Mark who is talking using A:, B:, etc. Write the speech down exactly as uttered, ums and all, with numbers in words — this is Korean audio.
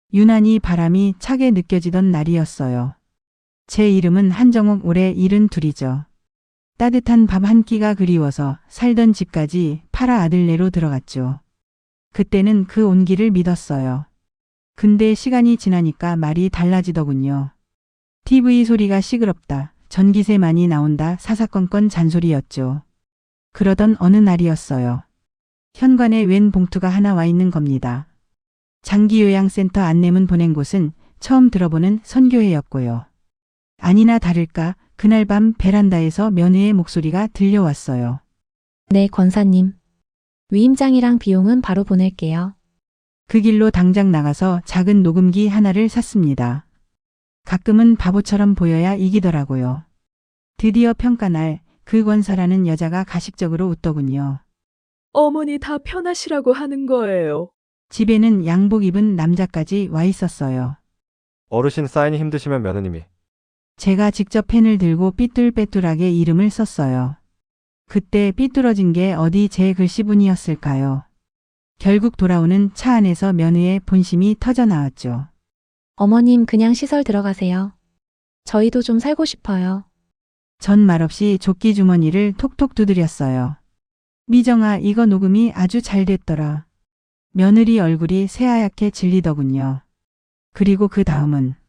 A: 유난히 바람이 차게 느껴지던 날이었어요. 제 이름은 한정옥, 올해 일흔둘이죠. 따뜻한 밥 한 끼가 그리워서 살던 집까지 팔아 아들네로 들어갔죠. 그때는 그 온기를 믿었어요. 근데 시간이 지나니까 말이 달라지더군요. 티비 소리가 시끄럽다, 전기세 많이 나온다, 사사건건 잔소리였죠. 그러던 어느 날이었어요. 현관에 웬 봉투가 하나 와 있는 겁니다. 장기요양센터 안내문 보낸 곳은 처음 들어보는 선교회였고요. 아니나 다를까 그날 밤 베란다에서 며느의 목소리가 들려왔어요.
B: 네, 권사님. 위임장이랑 비용은 바로 보낼게요.
A: 그 길로 당장 나가서 작은 녹음기 하나를 샀습니다. 가끔은 바보처럼 보여야 이기더라고요. 드디어 평가날, 그 권사라는 여자가 가식적으로 웃더군요.
C: 어머니 다 편하시라고 하는 거예요.
A: 집에는 양복 입은 남자까지 와 있었어요.
D: 어르신 사인이 힘드시면 며느님이.
A: 제가 직접 펜을 들고 삐뚤빼뚤하게 이름을 썼어요. 그때 삐뚤어진 게 어디 제 글씨분이었을까요? 결국 돌아오는 차 안에서 며느의 본심이 터져 나왔죠.
B: 어머님 그냥 시설 들어가세요. 저희도 좀 살고 싶어요.
A: 전 말없이 조끼 주머니를 톡톡 두드렸어요. 미정아, 이거 녹음이 아주 잘 됐더라. 며느리 얼굴이 새하얗게 질리더군요. 그리고 그 다음은